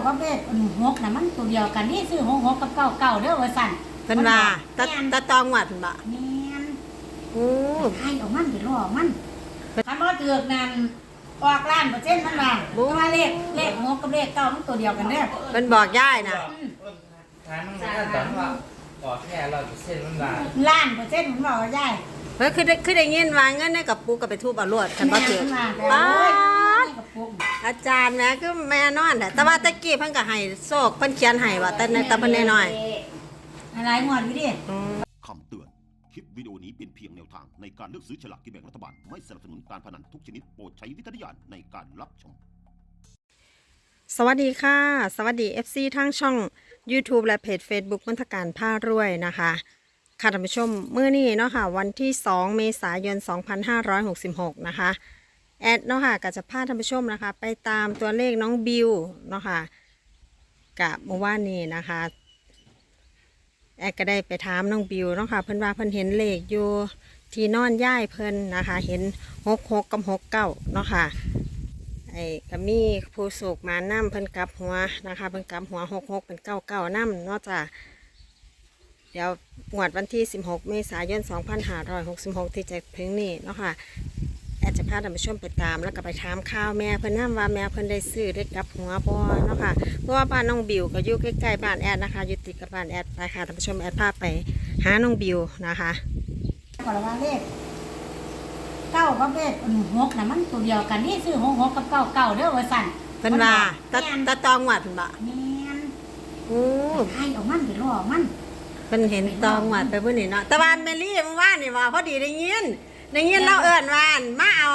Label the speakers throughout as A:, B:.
A: กับเลขหกน่ะมันตัวเดียวกันนี่ซื้อหกกับเก้าเก้าเด้อว่าสั่น
B: เพิ่นว่าตะตองวัดเพิ่นบ่
A: แม่น
B: โอ้
A: ให้เอามันไปล่อมันคันบ่ถือกนั่นออกล้านเปอร์เซ็นต์มันว่าเพราะว่าเลขหกกับเลขเก้ามันตัวเดียวกันเด้อ
B: เพิ่นบอกยายน่ะ
C: ถามมันก็ตอนว่าออกแค่100%มันว่า
A: ล้านเปอร์เซ็นต์มันบอกว่าได้
B: เพิ่นคือได้ยินว่าเงินในกระปุกก็ไปทุบเอารวดคันบ่ถือป้าอาจารย์แม่คือแม่นอนแต่ว่าตะกี้เพิ่นก็ให้โชคเพิ่นเขียนให้ว่าแต่ในตะเพิ่นน้อย
A: อะไรงวดอยู่ดิ
D: คำเตือนคลิปวิดีโอนี้เป็นเพียงแนวทางในการเลือกซื้อฉลากกินแบ่งรัฐบาลไม่สนับสนุนการพนันทุกชนิดโปรดใช้วิจารณญาณในการรับชม
B: สวัสดีค่ะสวัสดี FC ทั้งช่อง YouTube และเพจ Facebook มนทการผ้ารวยนะคะค่ะท่านผู้ชมมื้อนี้เนาะค่ะวันที่2เมษายน2566นะคะแอดเนาะค่ะก็จะพาท่านผู้ชมนะคะไปตามตัวเลขน้องบิวเนาะค่ะกับเมื่อวานนี้นะคะแอดก็ได้ไปถามน้องบิวเนาะค่ะเพิ่นว่าเพิ่นเห็นเลขอยู่ที่นอนย่ายเพิ่นนะคะเห็น66กับ69เนาะค่ะไอ้ก็มีผู้โศกมานํเพิ่นกลับหัวนะคะเพิ่นกลับหัว66เป็น99นำเนาะจ้ะเดี๋ยวงวดวันที่16เมษายน2566ที่จะถึงนี้เนาะค่ะแอดจะพาท่านผู้ชมไปตามแล้วก็ไปถามข่าวแม่เพิ่นนำว่าแม่เพิ่นได้ซื้อได้กลับหัวบ่เนาะค่ะเพราะว่าบ้านน้องบิวก็อยู่ใกล้ๆบ้านแอดนะคะอยู่ติดกับบ้านแอดไปค่ะท่านผู้ชมแอดพาไปหาน้องบิวนะคะ
A: ก่อนว่าเลขเก้ากับเลขหกน่ะมันตัวเดียวกันนี่ซื้อหกกับเก้าเก้าเด้อว่าสั่น
B: เพิ่นว่าตะตองวัดเพิ่นบ่
A: แม่น
B: โอ้
A: ให้เอามันไปล่อมัน
B: เพิ่นเห็นตองวัดไปเพิ่นนี่เนาะแต่ว่าแมรี่เมื่อวานนี่ว่าพอดีได้ยินเราเอิ้นว่ามาเอา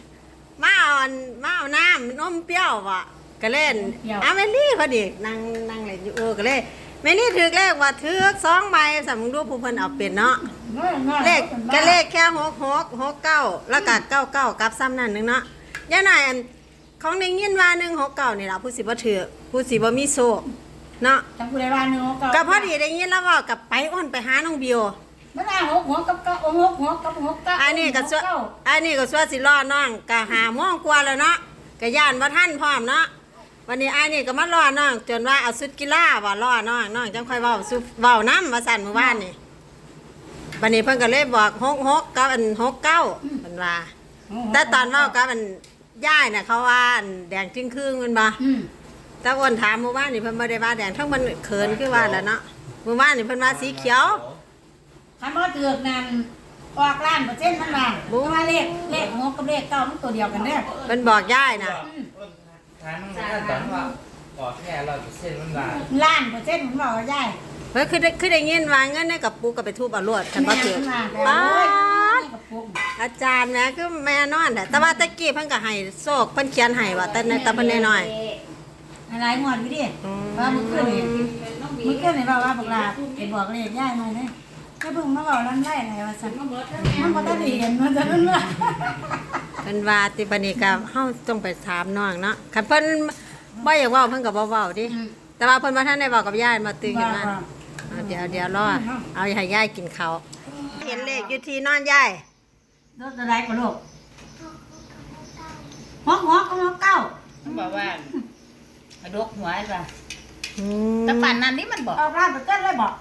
B: น้ำนมเปรี้ยวว่ะก็เล่นแมรี่พอดีนั่งเล่นอยู่ก็เลยแมรี่ถือเลขว่าถือ2ใบสำมึงดูผู้เพิ่นเอาเป็นเนาะเลขก็เลขแค่6669แล้วก็99กับซ้ำนั่นนึงเนาะย่าหน่อยของได้ยินว่า169นี่ล่ะผู้สิบ่ถือผู้สิบ่มีโชคเนาะ
A: จังผู้ใดว่า169
B: ก็พอดีได้ยินแล้วเว้ากับไปอ้นไปหาน้องบิว
A: มันว่าหกกับเก้าหกกับเก้า
B: อันนี้ก็สวดสิรอน้องก็หาโมงกว่าแล้วเนาะก็ย่านบ่ทันพร้อมเนาะวันนี้อันนี้ก็มารอน้องจนว่าเอาชุดกีฬาว่ารอน้องจังค่อยเว้านำว่าซั่นเมื่อวานนี่บัดนี้เพิ่นก็เลยบอก66กับอัน69เพิ่นว่าแต่ตอนเว้ากับอันย่ายน่ะเขาว่าอันแดงจึงครึ่งแม่นบ่แต่อ้นถามเมื่อวานนี่เพิ่นบ่ได้ว่าแดงทั้งมันเขินคือว่าแล้วเนาะเมื่อวานนี่เพิ่นว่าสีเขียว
A: คันบ่ถือกนั่นออกล้านเปอร์เซ็นต์มันว่าเพราะว่าเลขหกกับเลขเก้ามันตัวเดียวกันเด้อ
B: เพิ่นบอกย่ายน่ะ
C: ถามมันก็ตอนว่าออกแค่100%มันว่า
A: ล้านเปอร์เซ็นต์มันบอกว่าได้
B: เพิ่นคือได้ยินว่าเงินในกระปุกก็ไปทุบเอารวดคันบ่ถือป้าอาจารย์แม่คือแม่นอนแต่ว่าตะกี้เพิ่นก็ให้โชคเพิ่นเขียนให้ว่าแต่ในตะเพิ่นน้อย
A: อะไรงวดอยู่ดิว่ามึงขึ้นนี่ว่าพวกเราไปบอกเลขย่ายมาเด้ถ้าเพิ่งมาบอกลั่นไล่อะไรว่าซั่นมันบ่ทันได้เห็นมันจะนั่นว่า
B: เพิ่นว่าติบัดนี้ก็เฮาต้องไปถามน้องเนาะคันเพิ่นบ่อยากเว้าเพิ่นก็บ่เว้าดิแต่ว่าเพิ่นบ่ทันได้เว้ากับยายมาตื่นขึ้นมาเดี๋ยวรอเอาให้ยายกินข้าวเห็นเลขอยู่ที่นอนยาย
A: รถอะไรก็ลูกหัวกับเก้า
E: มันบอกว่าดกหัวป่ะแต่ป่านนั้นนี่มันบอก
A: เอาร้านเปิดเกินเลยบอก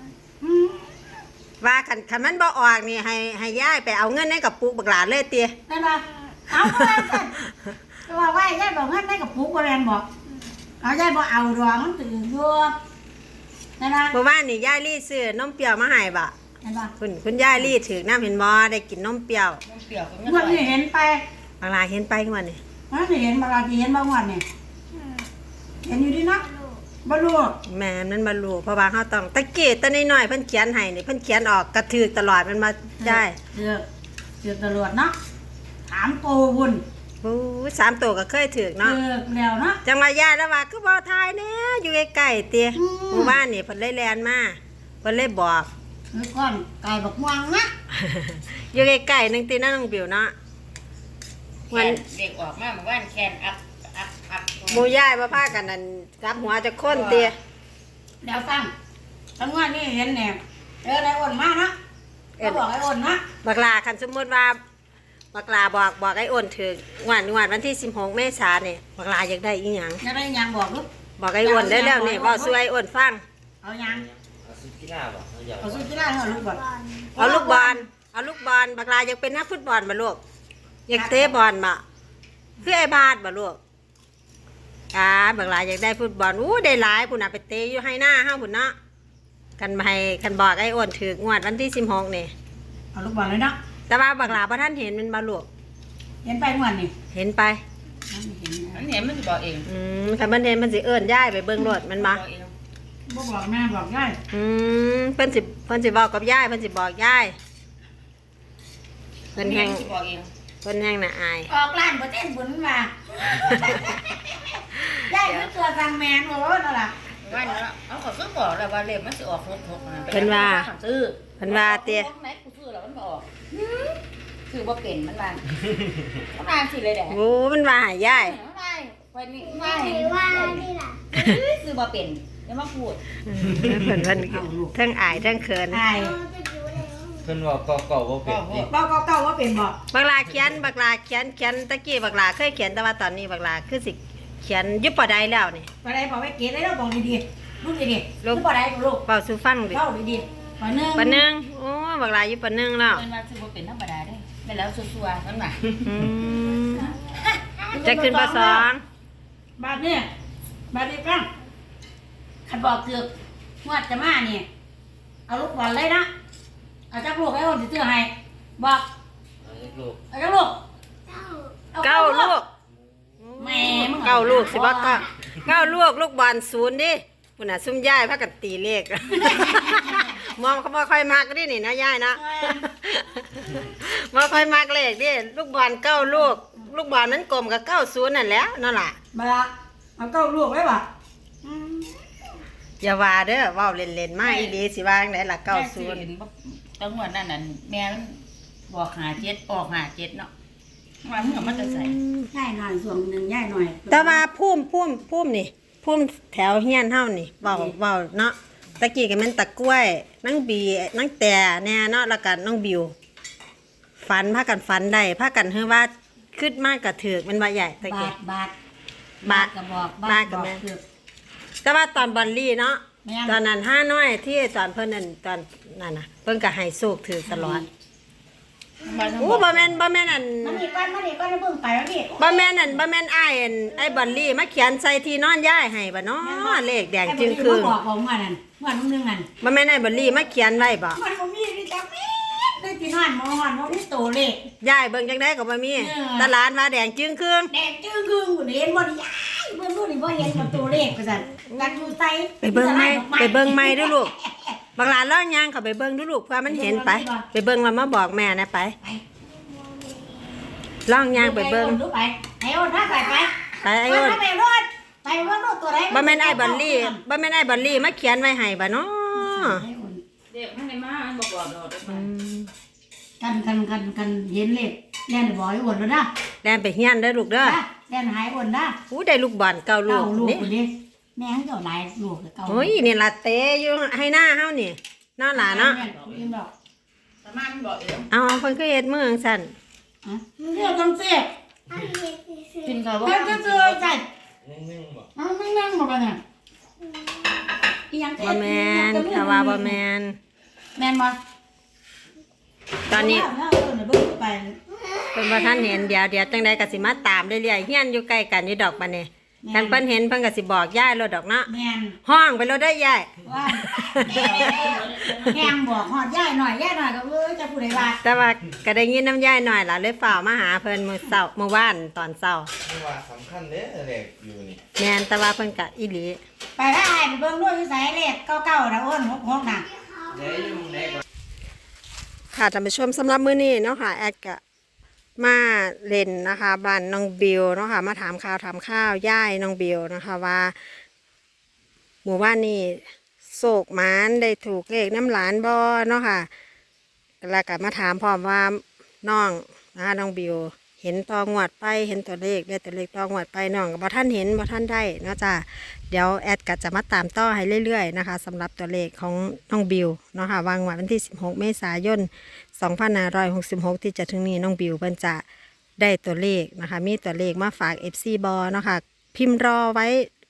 B: ว่าคันมันบ่ออกนี่ให้ยายไปเอาเงินในกระปุกบักหลาเลยเตี้ย
A: ได้ป่ะเอาก็ได้กันว่าว่ายายบอกเงินในกระปุกบ่แม่นบอกเอายายบ่เอาดอกมันตื่นอยู่ได้ป่ะ
B: เมื่อวานนี่ยายลี่ซื้อนมเปรี้ยวมาให้บ่
A: ได้ป่ะ
B: คุณยายลี่ถือน้ำเห็นบ่ได้กินนมเปรี้ยว
A: งวดนี้เห็นไป
B: บักหลาเห็นไปขึ้นมานี่
A: มันเห็นบางทีเห็นบางวันนี่เห็นอยู่ดินะบลู
B: แม่มันบลูเพราะว่าเขาต้องตะเกียบตะน้อยๆเพิ่นเขียนให้นี่เพิ่นเขียนออกกระถือตลอดมันมาได้
A: เถือกตลอดเนาะถามโตวุ่น
B: 3 ตัวก็เคยถือกเนาะ
A: แล้วเนาะ
B: จังว่ายายแล้วว่าคือบ่ทายแน่อยู่ใกล้ๆเตี้ยหมู่บ้านนี่เพิ่นเลยแล่นมาเพิ่นเลยบอก
A: คือก้อนไก่บักม่วงนะ
B: อยู่ใกล้ๆนึงตินะน้องบิวเนาะ
E: วันเด็กออกมาเมื่อวานแคนอัพ
B: หมู่ยายบ่พากันนั่นจับหัวจะค้นเตี้ย
A: เดี๋ยวฟังทั้งวันนี้เห็นแหน่ไอ้อ้นมานะก็บอกไอ้อ้นนะ
B: บักลาคันสมมติว่าบักลาบอกไอ้อ้นถึงวันที่16เมษายนนี่บักลาอยากได้อีหยัง
A: อยากได้หยังบอกลูก
B: บอกไอ้อ้วนได้แล้วนี่เว้าสู่ไอ้อ้วนฟัง
A: เอายัง
C: เอาซุปกีฬาบ่เอาอยาก
A: เอาสู้กีฬาเอาลูกบอล
B: เอาลูกบอลเอาลูกบอลบักลาอยากเป็นนักฟุตบอลบ่ลูกอยากเตะบอลบ่คือไอ้บาสบ่ลูกบักลาอยากได้ฟุตบอลอู้ได้หลายพุ่นน่ะไปเตะอยู่ให้หน้าเฮาพุ่นเนาะกันบอกไอ้อ้วนถึกงวดวันที่16นี่
A: เอาลูกบอลเลยเนาะ
B: แต่ว่าบักลาบ่ทันเห็นมันบ่ลูก
A: เห็นไปม่วนนี่
B: เห็นไป
A: นั่นเห็น
E: อันนี้มันสิบอกเอง
B: คันมันเห็นมันสิเอิ้นย้ายไปเบิ่งรถมันมา
E: บอกเอง
A: บ่บอกแม่บอกยาย
B: เพิ่นสิบอกกับยายเพิ่นสิบอกยายเพิ่นแฮง
E: สิบอกเอง
B: เพิ่นแฮงน่ะอาย
A: ออกร้านบ่เต้นบุญมายายคือตัวสั่งแมนโอ้นั่นล่ะ
E: ว่าเนาะเอาก็คือบอกแล้วว่าเลขมันสิออก66นั่น
B: เพิ่นว่า
E: ซื้อ
B: เพิ่นว่าเตี้ย
E: ไหนกูซื้อแล้วมันบ่ออกซื้อบ่เป็นมันว่ามันว่าสิเลยแหละ
B: โอ้มันว่าหายาย
E: มันว่าไปนี่ว่านี่ล่ะซื้อบ่เป็นอย่ามาพูด
B: เพิ่นทั้งอายทั้งเขิน
A: อาย
C: เพิ่นว่าเก่าๆบ่เป็นดิ
A: เก่าว่าเป็นบ่
B: บักลาเขียนตะกี้บักลาเคยเขียนแต่ว่าตอนนี้บักลาคือสิเขียนอยุบปอใดแล้วนี่
A: บ่ได้บอกไว้เก๋ได้แล้วบอกดีๆลูกดีๆ
B: ลู
A: ลู
B: ก
A: กบ่ได้ลูก
B: เป่าสู่ฟังดิ
A: เล่าดีๆปนึง
B: ปะนึงโอ้บักลาอยู่ปะนึงแล้ว
E: เพิ่นว่าซื้อบ่เป็นธรรมดาเด้แม่นแล้วซัวๆมันว่า
B: อืมจะขึ้นปสอง
A: บาทนี่บาทนี้กันคันบอกคืองวดจะมานี่เอาลูกบอลเลยนะเอาจักลูกให้คนสิซื้อให้บอก
C: เอาอีกลูก
A: เอาจักลูก
B: เก้าลูก
A: แม่มึง
B: เก้าลูกสิบ่เก้าลูกลูกบอลศูนย์ดิพุ่นน่ะซุ่มย่ายพากันตีเลข มองเขาบ่ค่อยมักดินี่นะย่ายนะบ่ค่อยมักเลขดิลูกบอลเก้าลูกลูกบอลมันกลมกับ90นั่นแหล้วนั่นล่ะ
A: มาละเอาเก้าลูกไว้บ่
B: อย่าว่าเด้อเว้าเล่นๆมาอีหลีสิว่าจังไดล่ะ
E: แม่ซื้อ
B: 90
E: เห็นบ่จังหวะนั้นน่ะแม่มันบอก57ออก57เนาะว่ามึงเอามันจะใส่
A: ย่ายหน่อยส่วนหนึ่งย่ายหน่อย
B: แต่ว่าพุ่มนี่พุ่มแถวเฮียนเฮานี่เว้าเนาะตะกี้ก็แม่นตะกล้วยนางบีนางแต่แน่เนาะแล้วก็น้องบิวฝันพากันฝันได้พากันเฮือว่าคิดมากก็ถูกมันว่าใหญ่ตะ
A: บา
B: กี้
A: ทบาท
B: บาท
A: ก็บอก
B: บาทก็แม่น
A: คือ
B: แต่ว่าตอนบอลลี่เนาะ
A: แม่น
B: ตอนนั้นห้าน้อยที่ตอนเพิ่นนั่นตอนนั้นน่ะเพิ่นก็ให้โชคถือตลอดโอ้บ่แม่นอัน
A: มันนี่ก้อนแล้วเบิ่งไปแล้วพี่
B: บ่แม่นอ้ายอันไอ้บอลลี่มาเขียนใส่ที่นอนย้ายให้บ่เนาะเลขแดงจึงคื
A: ไอ้บอกผมว่านั่นว่าน้องนึงนั่น
B: บ่แม่นไอ้บอลลี่มาเขียนไว้บ่
A: มันบ่มีนี่จักมีได้ที่นอนมอนบ่มีตัวเลข
B: ย้ายเบิ่งจังได๋ก็บ่มี
A: เออ
B: ตลาดว่าแดงจึงคืน
A: แดงจึ้งกึ่งเห็นบ่ได้ยายเบิ่งดูนี่บ่เห็นบ่ตัวเลขว่าซั่นกันอยู่ไส
B: ไปเบิ่งใหม่ดูลูกบางหลานเล่าย่างเข้าไปเบิ่งดูลูกเพื่อมันเห็นไปเบิ่งแล้วมาบอกแม่นะไปล่องย่างไปเบิ่ง
A: ไปไอ้โอนถ้าไป
B: ไปไอ้อ้น
A: ไปรถไปเบิ่งรถตัวใด
B: บ่แม่นไอ้บอลลี่มาเขียนไว้ให้บ่เนาะ
E: เด็กมันได้มามันบอกดอกได้มา
A: กันเห็นเลขแล่นบ่อยอ้วนแล้วนะ
B: แล่นไปเฮียนเด้อลูกเด้อ
A: แล่นหายอ้วนนะ
B: อู้ได้ลูกบอลเก่าลู
A: เก้าก ลูก
B: นี่
A: คนนี้แม่เขาเจ้าหลายลูกเก้า
B: โอ้ยนี่ล่ะเตะอยู่ให้หน้าเฮานี่เนาะหลานเนาะ
A: ยิ้มดอก
E: แต่มันบอกเอง
B: เอาเพิ่นคือเฮ็ดมือจังซั่น
A: เรื่องต้องเสีย
E: กินข้าวบ่
A: เรื่องเจอใส่
C: นิ่งๆบ่
A: เอาไม่นั่งมากันเนี่ยอีหยัง
B: บ่แม่นถ้าว่าบ่แม่น
A: แม่นบ่
B: ตอนนี้
A: เบิ่งไป
B: เพิ่นบ่ทันเห็นเดี๋ยวจังได๋ก็สิมาตามเรื่อยๆเฮียนอยู่ใกล้กันอยู่ดอกบัดนี้คันเพิ่นเห็นเพิ่นก็สิบอกยายโลดดอกเนาะ
A: แม่น
B: ห้องไปโลดได้ยาย
A: ว่าแห้งบอกฮอดย่ายหน่อยก็จะผู้ใดว่า
B: แต่ว่าก็ได้ยินน้ำยายหน่อยล่ะเลยฝ่ากมาหาเพิ่นมื้อวานตอนเช้า
C: นี่ว่าสำคัญเด้อเลขอยู่นี่
B: แม่นแต่ว่าเพิ่นก็อีหลี
A: ไปถ้าอ้ายไปเบิ่งด้วยอยู่ไสเลขเก่าๆนะอ้น6น่ะ
C: เด้อยู่เลข
B: ค่ะท่านผู้ชมสำหรับมื้อนี้เนาะค่ะแอดก็มาเล่นนะคะบ้านน้องบิวเนาะค่ะมาถามข่าวย่ายน้องบิวนะคะว่าหมู่บ้านนี้โศกหมานได้ถูกเลขน้ำหลานบ่เนาะค่ะแล้วก็มาถามพร้อมว่าน้องนะคะน้องบิวเห็นตองวดไปเห็นตัวเลขได้ตัวเลขตองวดไปน้องก็บ่ท่านเห็นบ่ท่านได้เนาะจ้ะเดี๋ยวแอดก็จะมาตามต่อให้เรื่อยๆนะคะสำหรับตัวเลขของน้องบิวเนาะค่ะวางไว้วันที่16เมษายน2566ที่จะถึงนี้น้องบิวเพิ่นจะได้ตัวเลขนะคะมีตัวเลขมาฝาก FC บอเนาะค่ะพิมพ์รอไว้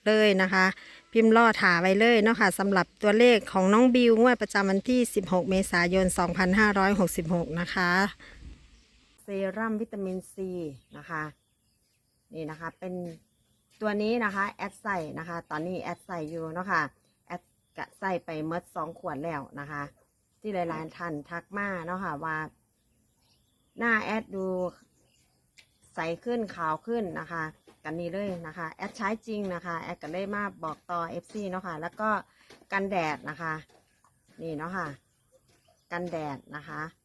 B: เลยนะคะ พิมพ์ล่อถาไว้เลยเนาะค่ะสำหรับตัวเลขของน้องบิวงวดประจำวันที่ 16 เมษายน 2566 นะคะเซรั่มวิตามินซีนะคะนี่นะคะเป็นตัวนี้นะคะแอดใส่นะคะตอนนี้แอดใส่อยู่เนาะค่ะแอดกะใส่ไปเมื่อ2 ขวดแล้วนะคะที่หลายๆท่านทักมาเนาะค่ะว่าหน้าแอดดูใสขึ้นขาวขึ้นนะคะกันนี้เลยนะคะแอดใช้จริงนะคะแอดก็เลยมาบอกต่อ FC เนาะค่ะแล้วก็กันแดดนะคะนี่เนาะค่ะกันแดดนะคะ